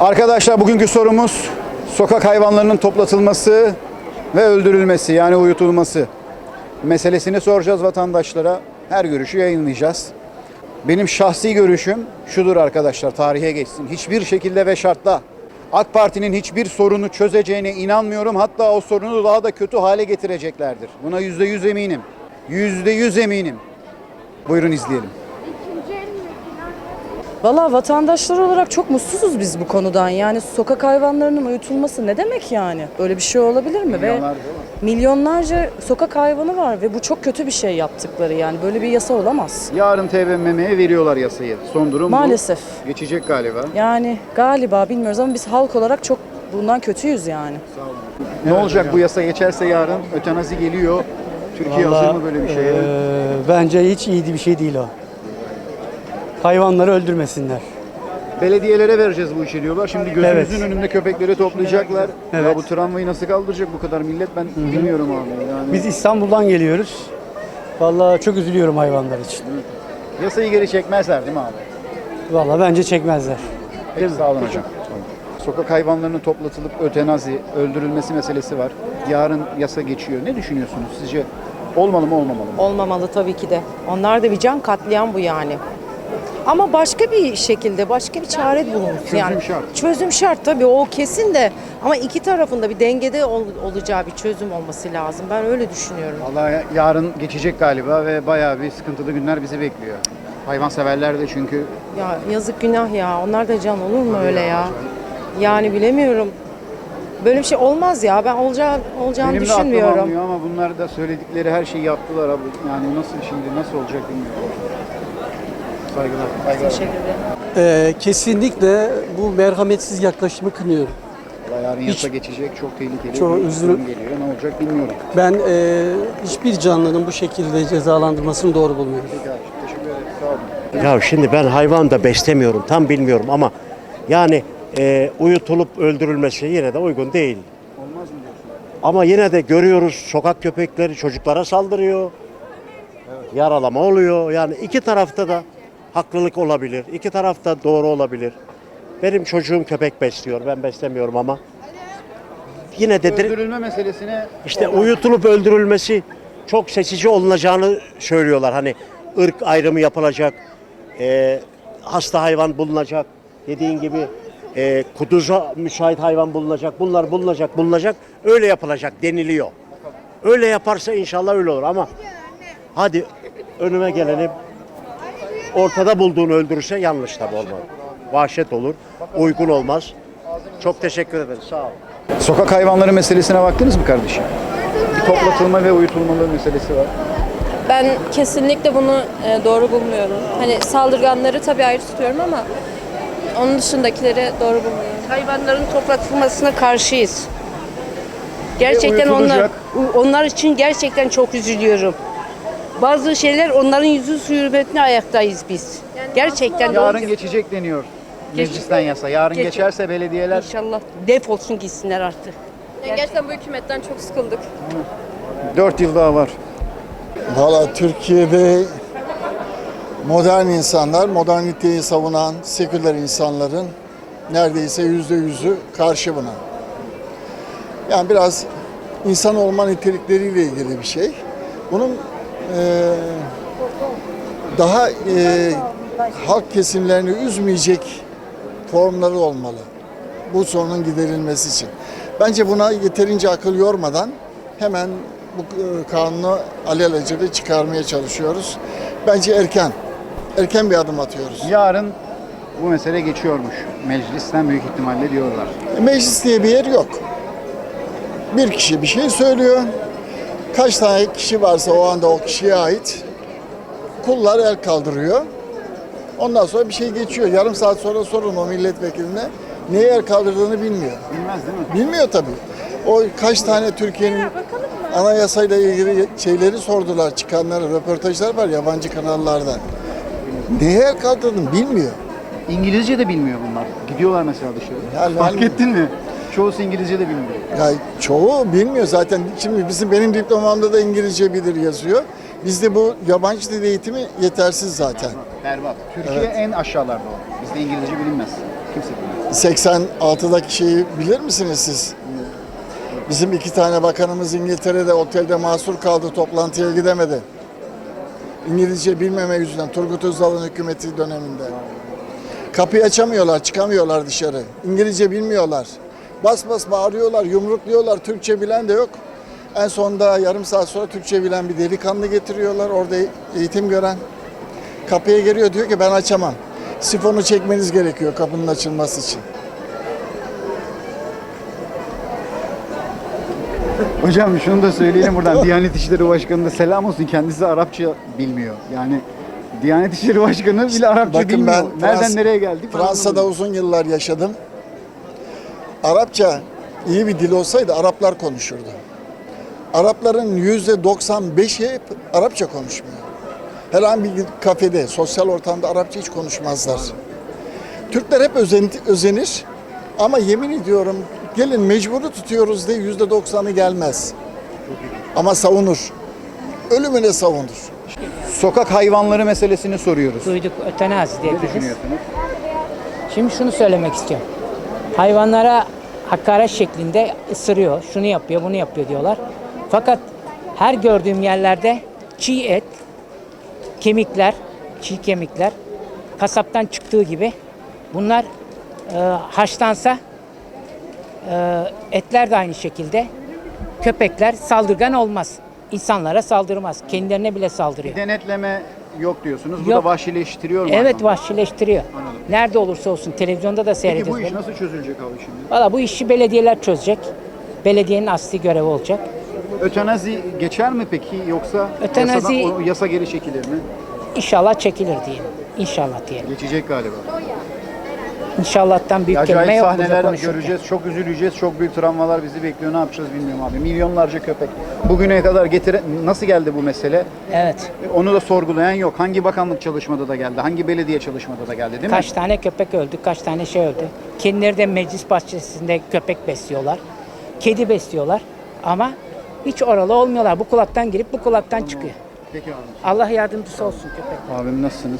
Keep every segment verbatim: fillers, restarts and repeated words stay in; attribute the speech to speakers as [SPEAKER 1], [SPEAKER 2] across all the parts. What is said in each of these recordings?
[SPEAKER 1] Arkadaşlar bugünkü sorumuz sokak hayvanlarının toplatılması ve öldürülmesi, yani uyutulması meselesini soracağız vatandaşlara. Her görüşü yayınlayacağız. Benim şahsi görüşüm şudur arkadaşlar, tarihe geçsin. Hiçbir şekilde ve şartla AK Parti'nin hiçbir sorunu çözeceğine inanmıyorum. Hatta o sorunu daha da kötü hale getireceklerdir. Buna yüzde yüz eminim. Yüzde yüz eminim. Buyurun izleyelim.
[SPEAKER 2] Valla vatandaşlar olarak çok mutsuzuz biz bu konudan. Yani sokak hayvanlarının uyutulması ne demek yani? Böyle bir şey olabilir mi? Ve milyonlarca sokak hayvanı var ve bu çok kötü bir şey yaptıkları, yani böyle bir yasa olamaz.
[SPEAKER 1] Yarın T B M M'ye veriyorlar yasayı. Son durum
[SPEAKER 2] Maalesef.
[SPEAKER 1] bu. Geçecek galiba.
[SPEAKER 2] Yani galiba bilmiyoruz ama biz halk olarak çok bundan kötüyüz yani.
[SPEAKER 1] Sağ olun. Ne olacak bu yasa geçerse yarın? Ötenazi geliyor. Türkiye
[SPEAKER 3] Vallahi,
[SPEAKER 1] hazır mı böyle bir şeye?
[SPEAKER 3] E, bence hiç iyi bir şey değil o. Hayvanları öldürmesinler.
[SPEAKER 1] Belediyelere vereceğiz bu işi diyorlar. Şimdi gözümüzün
[SPEAKER 3] Evet.
[SPEAKER 1] önünde köpekleri toplayacaklar.
[SPEAKER 3] Evet.
[SPEAKER 1] Ya bu tramvayı nasıl kaldıracak bu kadar millet, ben Hı-hı. bilmiyorum abi. Yani
[SPEAKER 3] Biz İstanbul'dan geliyoruz. Vallahi çok üzülüyorum hayvanlar için.
[SPEAKER 1] yasayı geri çekmezler değil mi abi?
[SPEAKER 3] Vallahi bence çekmezler.
[SPEAKER 1] Peki, sağ olun hocam. Sokak hayvanlarının toplatılıp ötenazi, öldürülmesi meselesi var. Yarın yasa geçiyor. Ne düşünüyorsunuz? Sizce olmalı mı, olmamalı mı?
[SPEAKER 4] Olmamalı tabii ki de. Onlar da bir can katliam bu yani. Ama başka bir şekilde, başka bir çare bulunsun.
[SPEAKER 1] Çözüm
[SPEAKER 4] yani,
[SPEAKER 1] şart.
[SPEAKER 4] Çözüm şart tabii, o kesin de. Ama iki tarafında bir dengede ol, olacağı bir çözüm olması lazım. Ben öyle düşünüyorum.
[SPEAKER 1] Vallahi yarın geçecek galiba ve bayağı bir sıkıntılı günler bizi bekliyor. Hayvanseverler de çünkü
[SPEAKER 4] Ya yazık, günah ya. Onlar da can olur mu öyle ya? Yani bilemiyorum. Böyle bir şey olmaz ya. Ben olacağı, olacağını
[SPEAKER 1] benim de aklım
[SPEAKER 4] düşünmüyorum.
[SPEAKER 1] almıyor ama bunlar da söyledikleri her şeyi yaptılar abi. Yani nasıl şimdi, nasıl olacak bilmiyorum. Saygılar. Saygılar.
[SPEAKER 4] Teşekkür ederim.
[SPEAKER 5] Ee, kesinlikle bu merhametsiz yaklaşımı kınıyorum.
[SPEAKER 1] Vallahi yarın yasa
[SPEAKER 5] Hiç-
[SPEAKER 1] geçecek, çok tehlikeli
[SPEAKER 5] Çok
[SPEAKER 1] bir
[SPEAKER 5] üzülü-
[SPEAKER 1] durum geliyor. Ne olacak bilmiyorum.
[SPEAKER 5] Ben e, hiçbir canlının bu şekilde cezalandırmasını doğru bulmuyorum.
[SPEAKER 1] Peki abi, teşekkür ederim. Sağ olun.
[SPEAKER 6] Ya şimdi ben hayvan da beslemiyorum, tam bilmiyorum ama yani e, uyutulup öldürülmesi yine de uygun değil.
[SPEAKER 1] Olmaz mı diyorsun?
[SPEAKER 6] Ama yine de görüyoruz, sokak köpekleri çocuklara saldırıyor, yaralama oluyor. Yani iki tarafta da haklılık olabilir, iki tarafta doğru olabilir. Benim çocuğum köpek besliyor, ben beslemiyorum ama yine de dir-
[SPEAKER 1] Öldürülme meselesine
[SPEAKER 6] işte uyutulup öldürülmesi çok seçici olunacağını söylüyorlar. Hani ırk ayrımı yapılacak, e, hasta hayvan bulunacak, dediğin gibi e, kuduza müsait hayvan bulunacak, bunlar bulunacak, bulunacak, öyle yapılacak deniliyor. Öyle yaparsa inşallah öyle olur ama hadi önüme geleni ortada bulduğunu öldürürse yanlış tabii, olmaz. Vahşet olur, uygun olmaz. Çok teşekkür ederim, sağ olun.
[SPEAKER 1] sokak hayvanları meselesine baktınız mı kardeşim? Bir toplatılma ve uyutulmalı meselesi var.
[SPEAKER 7] Ben kesinlikle bunu e, doğru bulmuyorum. Hani saldırganları tabii ayrı tutuyorum ama onun dışındakileri doğru bulmuyorum.
[SPEAKER 8] Hayvanların toplatılmasına karşıyız. Gerçekten onlar
[SPEAKER 1] uyutulacak.
[SPEAKER 8] onlar için gerçekten çok üzülüyorum. Bazı şeyler onların yüzü su hürmetine ayaktayız biz. Gerçekten
[SPEAKER 1] Yarın geçecek deniyor meclisten yasa. Yarın
[SPEAKER 8] Geçecek.
[SPEAKER 1] geçerse belediyeler
[SPEAKER 8] İnşallah defolsun gitsinler artık.
[SPEAKER 7] Yani gerçekten bu hükümetten çok sıkıldık.
[SPEAKER 1] dört yıl daha var.
[SPEAKER 9] Valla Türkiye'de modern insanlar, moderniteyi savunan seküler insanların neredeyse yüzde yüzü karşı buna. Yani biraz insan olma nitelikleriyle ilgili bir şey. Bunun eee, daha eee, halk kesimlerini üzmeyecek formları olmalı. Bu sorunun giderilmesi için. Bence buna yeterince akıl yormadan hemen bu e, kanunu alelacele çıkarmaya çalışıyoruz. Bence erken, erken bir adım atıyoruz.
[SPEAKER 1] Yarın bu mesele geçiyormuş. Meclisten büyük ihtimalle diyorlar.
[SPEAKER 9] Meclis diye bir yer yok. Bir kişi bir şey söylüyor. Kaç tane kişi varsa o anda o kişiye ait kullar el kaldırıyor. Ondan sonra bir şey geçiyor. Yarım saat sonra sorun o milletvekiline. Neye el kaldırdığını bilmiyor.
[SPEAKER 1] Bilmez değil mi?
[SPEAKER 9] Bilmiyor tabii. O kaç tane Türkiye'nin anayasayla ilgili şeyleri sordular, çıkanları, röportajlar var yabancı kanallardan. Neye el kaldırdın bilmiyor.
[SPEAKER 1] İngilizce de bilmiyor bunlar. Gidiyorlar mesela dışarı.
[SPEAKER 9] Yani
[SPEAKER 1] Fark
[SPEAKER 9] ben-
[SPEAKER 1] ettin mi? Çoğusu İngilizce de bilmiyor.
[SPEAKER 9] Ya çoğu bilmiyor zaten. Şimdi bizim benim diplomamda da İngilizce bilir yazıyor. Bizde bu yabancı dil eğitimi yetersiz zaten.
[SPEAKER 1] Berbat. Türkiye
[SPEAKER 9] Evet.
[SPEAKER 1] en aşağılarda o. Bizde İngilizce bilinmez. Kimse bilmez.
[SPEAKER 9] seksen altıdaki şeyi bilir misiniz siz? Bizim iki tane bakanımız İngiltere'de otelde mahsur kaldı, toplantıya gidemedi. İngilizce bilmeme yüzünden Turgut Özal'ın hükümeti döneminde. Kapıyı açamıyorlar, çıkamıyorlar dışarı. İngilizce bilmiyorlar. Bas bas bağırıyorlar, yumrukluyorlar. Türkçe bilen de yok. En sonunda yarım saat sonra Türkçe bilen bir delikanlı getiriyorlar. Orada eğitim gören. Kapıya geliyor, diyor ki ben açamam. Sifonu çekmeniz gerekiyor kapının açılması için.
[SPEAKER 1] Hocam şunu da söyleyelim buradan. Diyanet İşleri Başkanı'na selam olsun. Kendisi Arapça bilmiyor. Yani Diyanet İşleri Başkanı bile Arapça
[SPEAKER 9] Bakın
[SPEAKER 1] bilmiyor.
[SPEAKER 9] ben
[SPEAKER 1] Nereden
[SPEAKER 9] Frans-
[SPEAKER 1] nereye geldik? ben
[SPEAKER 9] Fransa'da
[SPEAKER 1] anlamadım.
[SPEAKER 9] uzun yıllar yaşadım. Arapça iyi bir dil olsaydı Araplar konuşurdu. Arapların yüzde doksan beşi hep Arapça konuşmuyor. Herhangi bir kafede, sosyal ortamda Arapça hiç konuşmazlar. Türkler hep özen, özenir ama yemin ediyorum gelin mecburu tutuyoruz diye yüzde doksanı gelmez. Ama savunur. Ölümüne savunur.
[SPEAKER 1] Sokak hayvanları meselesini soruyoruz.
[SPEAKER 10] Duyduk, ötenazi diye
[SPEAKER 1] Ne
[SPEAKER 10] biliriz.
[SPEAKER 1] düşünüyorsunuz?
[SPEAKER 10] Şimdi şunu söylemek istiyorum. Hayvanlara hakaret şeklinde ısırıyor, şunu yapıyor, bunu yapıyor diyorlar. Fakat her gördüğüm yerlerde çiğ et, kemikler, çiğ kemikler kasaptan çıktığı gibi bunlar e, haşlansa e, etler de aynı şekilde, köpekler saldırgan olmaz. İnsanlara saldırmaz. Kendilerine bile saldırıyor.
[SPEAKER 1] Denetleme yok diyorsunuz. Bu
[SPEAKER 10] Yok.
[SPEAKER 1] da vahşileştiriyor mu?
[SPEAKER 10] Evet,
[SPEAKER 1] hayvanları?
[SPEAKER 10] vahşileştiriyor. Nerede olursa olsun televizyonda da
[SPEAKER 1] Peki
[SPEAKER 10] seyrediyoruz.
[SPEAKER 1] bu iş nasıl çözülecek abi şimdi?
[SPEAKER 10] Valla bu işi belediyeler çözecek. Belediyenin asli görevi olacak.
[SPEAKER 1] Ötenazi geçer mi peki yoksa
[SPEAKER 10] Ötenazi-
[SPEAKER 1] yasadan, o yasa geri çekilir mi?
[SPEAKER 10] İnşallah çekilir diyelim. İnşallah diyelim.
[SPEAKER 1] Geçecek galiba.
[SPEAKER 10] İnşallah'tan büyük kelime
[SPEAKER 1] Acayip
[SPEAKER 10] yok burada
[SPEAKER 1] sahneler
[SPEAKER 10] konuşurken.
[SPEAKER 1] göreceğiz, çok üzüleceğiz, çok büyük travmalar bizi bekliyor. Ne yapacağız bilmiyorum abi. Milyonlarca köpek. Bugüne kadar getire nasıl geldi bu mesele?
[SPEAKER 10] Evet.
[SPEAKER 1] Onu da sorgulayan yok. Hangi bakanlık çalışmada da geldi, hangi belediye çalışmada da geldi değil mi?
[SPEAKER 10] Kaç tane köpek öldü, kaç tane şey öldü. Kendileri de meclis bahçesinde köpek besliyorlar. Kedi besliyorlar. Ama hiç oralı olmuyorlar. Bu kulaktan girip bu kulaktan çıkıyor.
[SPEAKER 1] Peki abi.
[SPEAKER 10] Allah yardımcısı olsun köpek.
[SPEAKER 1] Abim nasılsınız?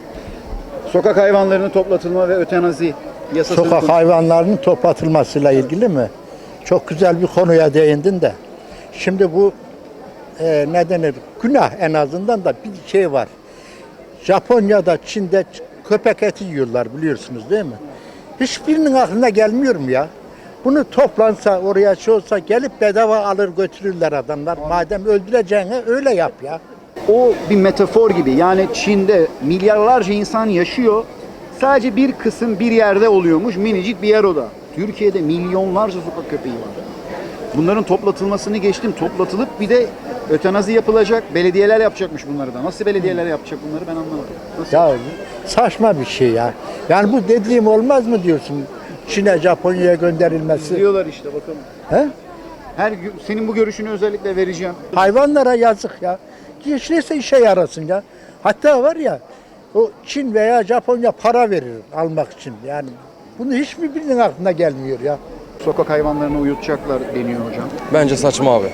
[SPEAKER 1] Sokak hayvanlarının toplatılma ve ötenazi yasası.
[SPEAKER 11] Sokak hayvanlarının toplatılmasıyla ilgili mi? Çok güzel bir konuya değindin de. Şimdi bu e, ne denir? Günah en azından da bir şey var. Japonya'da, Çin'de köpek eti yiyorlar biliyorsunuz değil mi? Hiçbirinin aklına gelmiyor mu ya? Bunu toplansa oraya şey olsa gelip bedava alır götürürler adamlar. Madem öldüreceğine öyle yap ya.
[SPEAKER 1] O bir metafor gibi. Yani Çin'de milyarlarca insan yaşıyor. Sadece bir kısım bir yerde oluyormuş. Minicik bir yer o da. Türkiye'de milyonlarca sokak köpeği var. Bunların toplatılmasını geçtim. Toplatılıp bir de ötenazi yapılacak. Belediyeler yapacakmış bunları da. Nasıl belediyeler yapacak bunları ben anlamadım. Nasıl?
[SPEAKER 11] Ya saçma bir şey ya. Yani bu dediğim olmaz mı diyorsun? Çin'e, Japonya'ya gönderilmesi.
[SPEAKER 1] Diyorlar işte bakalım.
[SPEAKER 11] He?
[SPEAKER 1] Her gün senin bu görüşünü özellikle vereceğim.
[SPEAKER 11] Hayvanlara yazık ya. Hiç neyse işe yarasın ya. Hatta var ya o Çin veya Japonya para verir almak için. Yani bunu hiçbir birinin aklına gelmiyor ya.
[SPEAKER 1] Sokak hayvanlarını uyutacaklar deniyor hocam.
[SPEAKER 12] Bence saçma abi.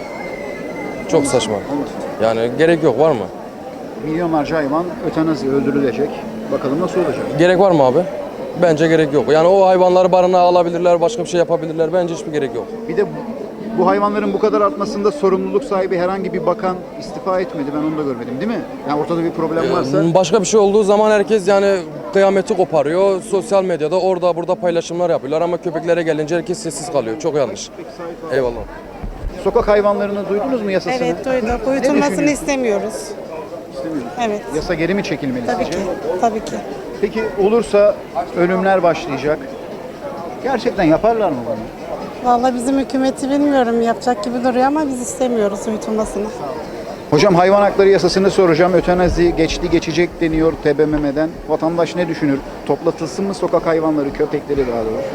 [SPEAKER 12] Çok saçma. Yani gerek yok, var mı?
[SPEAKER 1] Milyonlarca hayvan ötenazi öldürülecek. Bakalım nasıl olacak?
[SPEAKER 12] Gerek var mı abi? Bence gerek yok. Yani o hayvanları barınağa alabilirler, başka bir şey yapabilirler. Bence hiçbir gerek yok.
[SPEAKER 1] Bir de bu, bu hayvanların bu kadar artmasında sorumluluk sahibi herhangi bir bakan istifa etmedi. Ben onu da görmedim değil mi? Yani ortada bir problem varsa.
[SPEAKER 12] Başka bir şey olduğu zaman herkes yani kıyameti koparıyor. Sosyal medyada orada burada paylaşımlar yapıyorlar ama köpeklere gelince herkes sessiz kalıyor. Çok yanlış. Eyvallah.
[SPEAKER 1] Sokak hayvanlarını duydunuz mu yasasını?
[SPEAKER 13] Evet duyduk.
[SPEAKER 1] Ne
[SPEAKER 13] Uyutulmasını
[SPEAKER 1] düşünüyorsun?
[SPEAKER 13] istemiyoruz.
[SPEAKER 1] İstemiyorum.
[SPEAKER 13] Evet.
[SPEAKER 1] Yasa geri mi çekilmeli
[SPEAKER 13] Tabii
[SPEAKER 1] sizce?
[SPEAKER 13] ki. Tabii ki.
[SPEAKER 1] Peki olursa ölümler başlayacak. Gerçekten yaparlar mı bunu?
[SPEAKER 13] Vallahi bizim hükümeti bilmiyorum yapacak gibi duruyor ama biz istemiyoruz uyutulmasını.
[SPEAKER 1] Hocam hayvan hakları yasasını soracağım. Ötenazi geçti geçecek deniyor T B M M'den. Vatandaş ne düşünür? Toplatılsın mı sokak hayvanları, köpekleri daha doğrusu?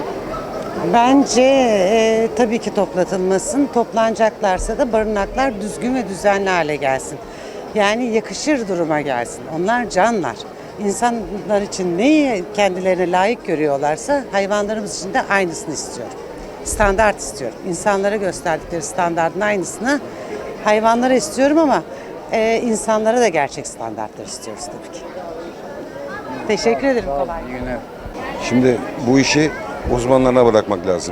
[SPEAKER 14] Bence e, tabii ki toplatılmasın. Toplanacaklarsa da barınaklar düzgün ve düzenli hale gelsin. Yani yakışır duruma gelsin. Onlar canlar. İnsanlar için neyi kendilerine layık görüyorlarsa hayvanlarımız için de aynısını istiyorum. Standart istiyorum. İnsanlara gösterdikleri standartın aynısını hayvanlara istiyorum ama e, insanlara da gerçek standartlar istiyoruz tabii ki. Teşekkür ederim. Kolay gelsin.
[SPEAKER 15] Şimdi bu işi uzmanlarına bırakmak lazım.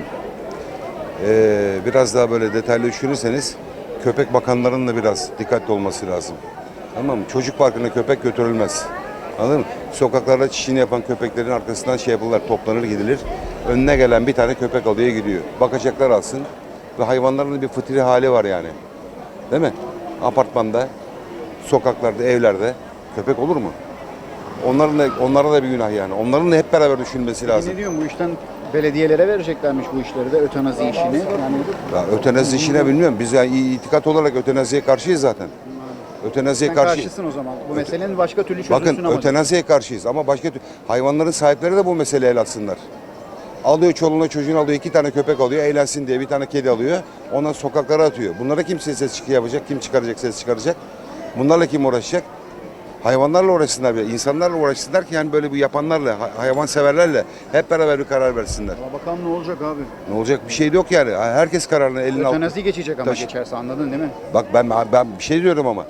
[SPEAKER 15] Ee, biraz daha böyle detaylı düşünürseniz köpek bakanlarının da biraz dikkatli olması lazım. Tamam mı? Çocuk parkına köpek götürülmez. Anladın mı? Sokaklarda çişini yapan köpeklerin arkasından şey yapılırlar, toplanır gidilir. Önüne gelen bir tane köpek alıyor gidiyor. Bakacaklar alsın. Ve hayvanların da bir fıtri hali var yani. Değil mi? Apartmanda, sokaklarda, evlerde köpek olur mu? Onların da, onlara da bir günah yani. Onların da hep beraber düşünmesi lazım.
[SPEAKER 1] Ne diyorsun bu işten belediyelere vereceklermiş bu işleri de ötenazi işini. Yani
[SPEAKER 15] Ya, ötenazi işine bilmiyorum. Biz yani itikat olarak ötenaziye karşıyız zaten. Ötenaziye
[SPEAKER 1] sen
[SPEAKER 15] karşı.
[SPEAKER 1] karşısın o zaman. Bu meselenin başka türlü çözülsün
[SPEAKER 15] Bakın
[SPEAKER 1] ama.
[SPEAKER 15] ötenaziye karşıyız ama başka tür- hayvanların sahipleri de bu meseleyi el atsınlar. Alıyor çoluğuna çocuğunu alıyor, iki tane köpek alıyor, eğlensin diye bir tane kedi alıyor. Ondan sokaklara atıyor. Bunlara kim ses çıkı yapacak, kim çıkaracak, ses çıkaracak? Bunlarla kim uğraşacak? Hayvanlarla uğraşsınlar, bile, insanlarla uğraşsınlar ki yani böyle bu yapanlarla, hayvan severlerle hep beraber bir karar versinler.
[SPEAKER 1] Ama bakalım ne olacak abi?
[SPEAKER 15] Ne olacak bir şey de yok yani. Herkes kararını eline alıyor.
[SPEAKER 1] Ötenazi geçecek ama
[SPEAKER 15] Taşı-
[SPEAKER 1] geçerse, anladın değil mi?
[SPEAKER 15] Bak ben ben bir şey diyorum ama.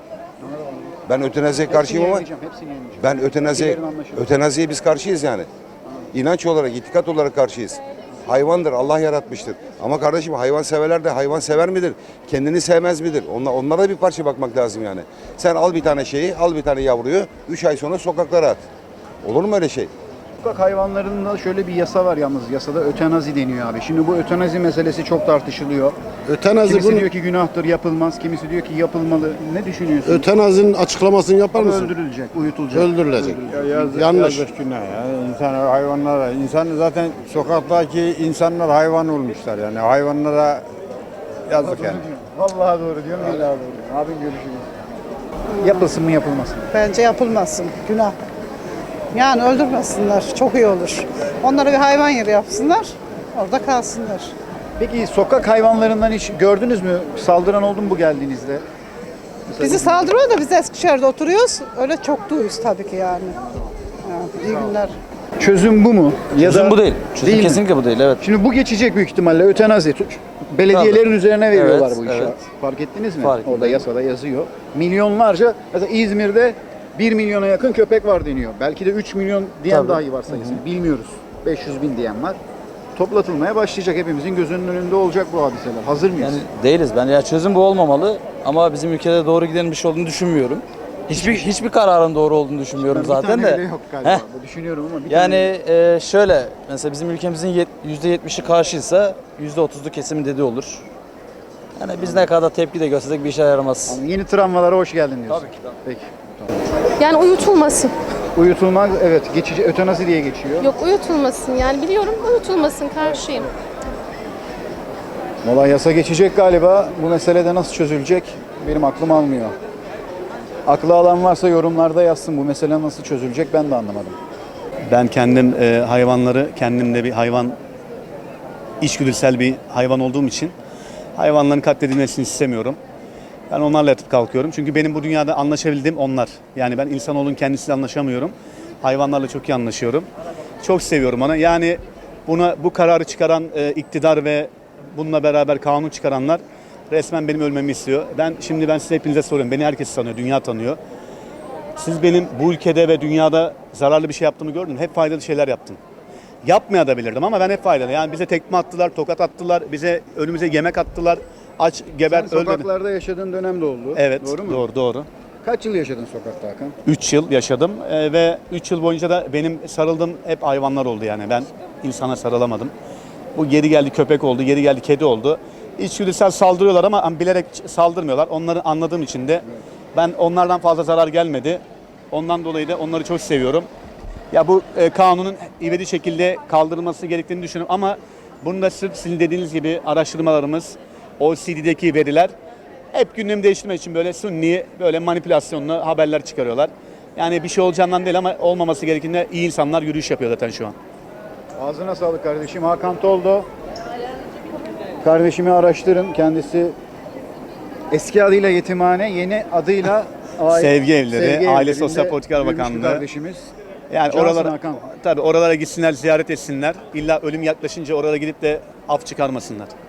[SPEAKER 15] Ben ötenaziye karşıyım ama
[SPEAKER 1] yayınlayacağım, hepsini yayınlayacağım.
[SPEAKER 15] ben ötenaziye
[SPEAKER 1] Ülkelerin anlaşılır.
[SPEAKER 15] ötenaziye biz karşıyız yani. İnanç olarak, itikat olarak karşıyız. Hayvandır, Allah yaratmıştır. Ama kardeşim hayvan severler de hayvan sever midir? Kendini sevmez midir? Onlar, onlara bir parça bakmak lazım yani. Sen al bir tane şeyi, al bir tane yavruyu, üç ay sonra sokaklara at. Olur mu öyle şey?
[SPEAKER 1] Sokak hayvanlarında şöyle bir yasa var yalnız. Yasada ötenazi deniyor abi. Şimdi bu ötenazi meselesi çok tartışılıyor.
[SPEAKER 16] Ötenazi
[SPEAKER 1] Kimisi
[SPEAKER 16] bunu,
[SPEAKER 1] diyor ki günahtır, yapılmaz. Kimisi diyor ki yapılmalı. Ne düşünüyorsun?
[SPEAKER 16] ötenazinin açıklamasını yapar
[SPEAKER 1] Ama
[SPEAKER 16] mısın?
[SPEAKER 1] öldürülecek, uyutulacak.
[SPEAKER 16] Öldürülecek.
[SPEAKER 1] Öldürülecek.
[SPEAKER 16] Yanlış.
[SPEAKER 17] Yazık günah ya. İnsan hayvanlara, insan zaten sokaktaki insanlar hayvan olmuşlar yani hayvanlara yazık yani.
[SPEAKER 1] Vallahi doğru diyorum, billahi doğru. Abim görüşürüz. Yapılsın mı yapılmasın mı?
[SPEAKER 13] Bence yapılmasın. Günah. Yani öldürmesinler. Çok iyi olur. Onlara bir hayvan yeri yapsınlar. Orada kalsınlar.
[SPEAKER 1] Peki sokak hayvanlarından hiç gördünüz mü? Saldıran oldu mu bu geldiğinizde? Mesela
[SPEAKER 13] Bizi saldırıyor da biz Eskişehir'de oturuyoruz. Öyle çok duyuyoruz tabii ki yani. Ya, iyi günler.
[SPEAKER 1] Çözüm bu mu? Ya
[SPEAKER 18] Çözüm
[SPEAKER 1] da
[SPEAKER 18] bu değil. Çözüm
[SPEAKER 1] değil mi?
[SPEAKER 18] kesinlikle bu değil. Evet.
[SPEAKER 1] Şimdi bu geçecek büyük ihtimalle ötenazi. Belediyelerin
[SPEAKER 18] Tabii.
[SPEAKER 1] üzerine veriyorlar
[SPEAKER 18] Evet,
[SPEAKER 1] bu işi.
[SPEAKER 18] evet.
[SPEAKER 1] Fark ettiniz mi?
[SPEAKER 18] Fark ettim.
[SPEAKER 1] Orada yasada yazıyor. Milyonlarca, mesela İzmir'de bir milyona yakın köpek var deniyor. Belki de üç milyon diyen
[SPEAKER 18] Tabii.
[SPEAKER 1] dahi var sayısını. Bilmiyoruz. beş yüz bin diyen var. Toplatılmaya başlayacak. Hepimizin gözünün önünde olacak bu hadiseler. Hazır mıyız?
[SPEAKER 18] Yani değiliz. Ben ya çözüm bu olmamalı ama bizim ülkede doğru giden bir şey olduğunu düşünmüyorum. Hiçbir hiçbir kararın doğru olduğunu düşünmüyorum
[SPEAKER 1] Ben
[SPEAKER 18] zaten
[SPEAKER 1] bir tane
[SPEAKER 18] de.
[SPEAKER 1] bile yok galiba.
[SPEAKER 18] Heh.
[SPEAKER 1] Düşünüyorum ama bir
[SPEAKER 18] Yani
[SPEAKER 1] tane
[SPEAKER 18] e, şöyle mesela bizim ülkemizin yet- yüzde yetmişi karşıysa yüzde otuzlu kesimin dediği olur. Yani biz ne kadar tepki de göstersek bir işe yaramaz.
[SPEAKER 1] Anladım. Yeni travmalara hoş geldin diyorsun.
[SPEAKER 18] Tabii ki.
[SPEAKER 1] Peki.
[SPEAKER 19] Yani uyutulmasın.
[SPEAKER 1] Uyutulmak evet geçici ötenazi diye geçiyor.
[SPEAKER 19] Yok uyutulmasın yani biliyorum uyutulmasın karşıyım.
[SPEAKER 1] Valla yasa geçecek galiba. Bu meselede nasıl çözülecek benim aklım almıyor. Aklı alan varsa yorumlarda yazsın. Bu mesele nasıl çözülecek ben de anlamadım.
[SPEAKER 20] Ben kendim e, hayvanları, kendimde bir hayvan, içgüdüsel bir hayvan olduğum için hayvanların katledilmesini istemiyorum. Ben onlarla yatıp kalkıyorum. Çünkü benim bu dünyada anlaşabildiğim onlar. Yani ben insanoğlunun kendisiyle anlaşamıyorum. Hayvanlarla çok iyi anlaşıyorum. Çok seviyorum onu. Yani buna bu kararı çıkaran e, iktidar ve bununla beraber kanun çıkaranlar resmen benim ölmemi istiyor. Ben şimdi ben size hepinize soruyorum. Beni herkes tanıyor, dünya tanıyor. Siz benim bu ülkede ve dünyada zararlı bir şey yaptığımı gördünüz mü? Hep faydalı şeyler yaptım. Yapmaya da bilirdim ama ben hep faydalı. Yani bize tekme attılar, tokat attılar, bize önümüze yemek attılar. Aç, geber,
[SPEAKER 1] Sen
[SPEAKER 20] öldürdü.
[SPEAKER 1] sokaklarda yaşadığın dönem de oldu.
[SPEAKER 20] Evet,
[SPEAKER 1] Doğru mu?
[SPEAKER 20] doğru, doğru.
[SPEAKER 1] Kaç yıl yaşadın sokakta Hakan?
[SPEAKER 20] üç yıl yaşadım Ee, ve üç yıl boyunca da benim sarıldığım hep hayvanlar oldu yani. Ben insana sarılamadım. Bu geri geldi köpek oldu, geri geldi kedi oldu. İçgüdüsel saldırıyorlar ama bilerek saldırmıyorlar. Onları anladığım için de ben onlardan fazla zarar gelmedi. Ondan dolayı da onları çok seviyorum. Ya bu e, kanunun ivedi şekilde kaldırılması gerektiğini düşünüyorum ama bunu da sırf sizin dediğiniz gibi araştırmalarımız, O E C D'deki veriler hep gündemi değiştirmek için böyle sunni, böyle manipülasyonlu haberler çıkarıyorlar. Yani bir şey olacağından değil ama olmaması gerektiğinde iyi insanlar yürüyüş yapıyor zaten şu an.
[SPEAKER 1] Ağzına sağlık kardeşim. Hakan Toldo. Kardeşimi araştırın. Kendisi eski adıyla yetimhane, yeni adıyla aile-
[SPEAKER 20] Sevgi Evleri,
[SPEAKER 1] Sevgi
[SPEAKER 20] Aile
[SPEAKER 1] Evleri'nde
[SPEAKER 20] Sosyal Politikalar
[SPEAKER 1] büyümüş bir
[SPEAKER 20] Bakanlığı.
[SPEAKER 1] kardeşimiz.
[SPEAKER 20] Yani
[SPEAKER 1] Cansın
[SPEAKER 20] oralara
[SPEAKER 1] Hakan.
[SPEAKER 20] tabii oralara gitsinler, ziyaret etsinler. İlla ölüm yaklaşınca oralara gidip de af çıkarmasınlar.